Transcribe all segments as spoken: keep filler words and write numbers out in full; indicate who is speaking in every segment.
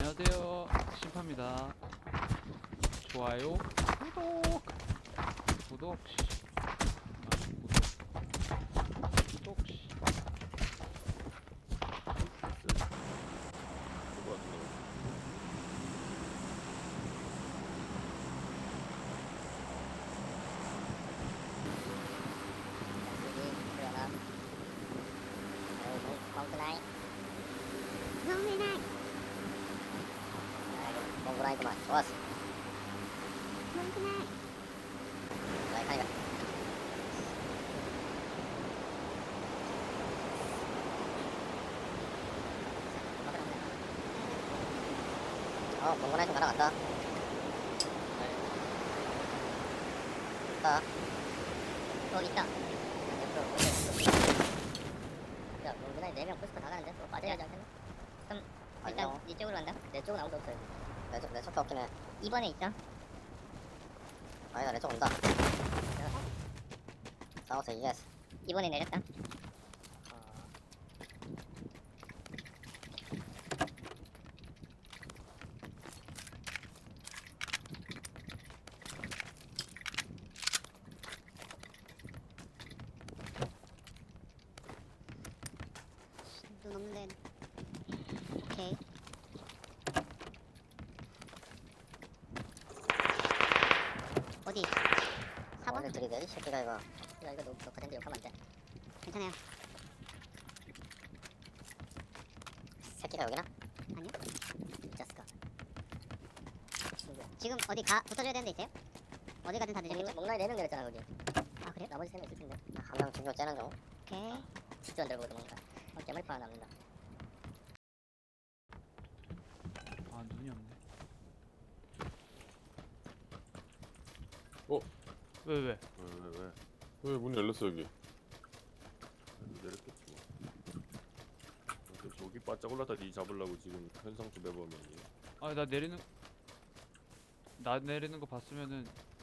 Speaker 1: 안녕하세요. 심파입니다. 좋아요, 구독, 구독, 씨. 아, 구독, 구독, 씨.
Speaker 2: 몽구라이구만. 좋았어. 나이 가니까. 어, 몽구라이 좀 날아간다. 있다. 어, 있다. 야, 몽구라이 네 명 부스터 다 가는데? 그거 빠져야 하지 않겠나? 그럼 일단 니 쪽으로 간다? 내 쪽은 아무도 없어요. 내 쪽, 내 쪽도 없긴 해. 이 번에 있다. 아니다, 내 쪽 온다. 싸워서 이겼어. 이 번에 내렸다.
Speaker 3: 눈 없는데. 오케이. 어디? 사 번?
Speaker 2: 오늘 들이대, 이 새끼가 이거. 야, 이거 너, 너 가던데 욕하면 안 돼.
Speaker 3: 괜찮아요.
Speaker 2: 새끼가 여기나?
Speaker 3: 아니요.
Speaker 2: 자스카. 친구야.
Speaker 3: 지금 어디 가 붙어줘야 되는 데 있어요? 어디 가든 다 되겠죠?
Speaker 2: 목라이 네 명 내렸잖아, 거기.
Speaker 3: 아 그래요?
Speaker 2: 나머지 세 명 있을 텐데. 한 명 중교 째는 중.
Speaker 3: 오케이.
Speaker 2: 직도 안 들고 도망가. 어, 개머리파 하나 남는다.
Speaker 1: 아, 눈이 없네.
Speaker 4: 어?
Speaker 1: 왜, 왜?
Speaker 4: 왜, 왜, 왜? 왜 문이 열렸어, 여기? 내렸겠지, 뭐. 근데 저기 바짝 올라다 니 잡으려고 지금 현상주 매보면
Speaker 1: 아, 나 내리는, 나 내리는 거 봤으면은,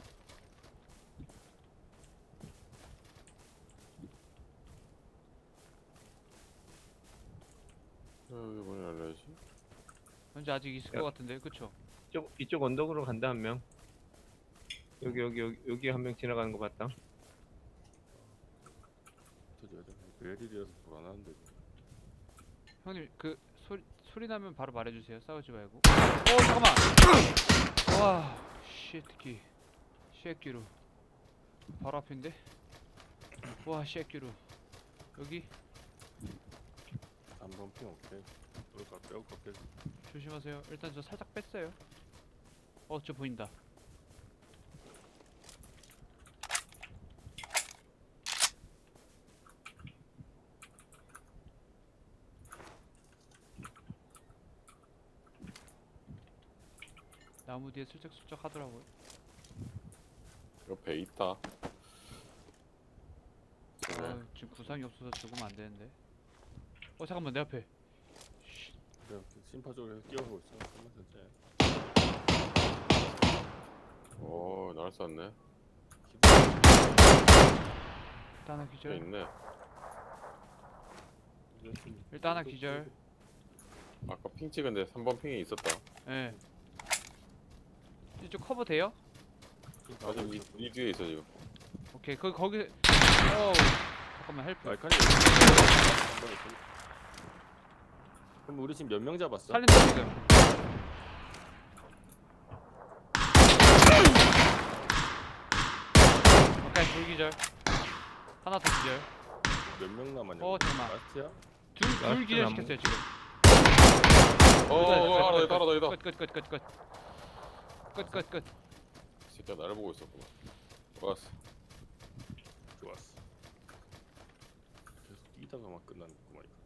Speaker 4: 왜 여기 문이 열려야지?
Speaker 1: 현재 아직 있을
Speaker 5: 야.
Speaker 1: 것 같은데, 그쵸?
Speaker 5: 이쪽 이쪽 언덕으로 간다 한 명. 여기 여기 여기 여기 한 명 지나가는 거 봤다.
Speaker 4: 터져야 돼. 베릴이라서 불안한데.
Speaker 1: 형님, 그, 소리, 소리 나면 바로 말해주세요. 싸우지 말고. 어, 잠깐만! 와, 쉣끼. 쉣끼로. 바로 앞인데? 와, 쉣끼로. 여기?
Speaker 4: 삼 번 핑 오케이. 그럴까, 빼올까, 빼.
Speaker 1: 조심하세요. 일단 저 살짝 뺐어요. 어, 저 보인다. 나무 뒤에 슬쩍슬쩍 하더라고요.
Speaker 4: 이거 배 있다. 네.
Speaker 1: 아, 지금 구상이 없어서 죽으면 안 되는데. 어, 잠깐만, 내 앞에.
Speaker 4: 그래, 심파 쪽에서 끼워보고 있어. 잠깐만, 천천히. 오, 날 쐈네.
Speaker 1: 일단 하나
Speaker 4: 배
Speaker 1: 기절.
Speaker 4: 있네.
Speaker 1: 일단 하나 기절.
Speaker 4: 아까 핑 찍은데 삼 번 핑이 있었다.
Speaker 1: 예. 이쪽 커버 돼요?
Speaker 4: 아직 이, 이 뒤에 있어, 지금.
Speaker 1: 오케이, 거기, 거기. 어 잠깐만, 헬프.
Speaker 4: 알칸이 그럼 우리 지금 몇 명 잡았어?
Speaker 1: 살린다, 지금. 오케이, 둘 기절. 하나 더 기절.
Speaker 4: 몇 명 남았냐?
Speaker 1: 어, 잠깐만.
Speaker 4: 라스트야?
Speaker 1: 둘, 둘
Speaker 5: 라스트
Speaker 1: 기절
Speaker 5: 나무.
Speaker 1: 시켰어요, 지금.
Speaker 4: 어, 어, 어, 하나 더 있다, 하나 더 있다.
Speaker 1: 끝, 끝, 끝, 끝, 끝. 끝, 끝, 끝.
Speaker 4: 이 새끼가 나를 보고 있었구나. 좋았어. 좋았어. 계속 뛰다가 막 끝났구만 이거.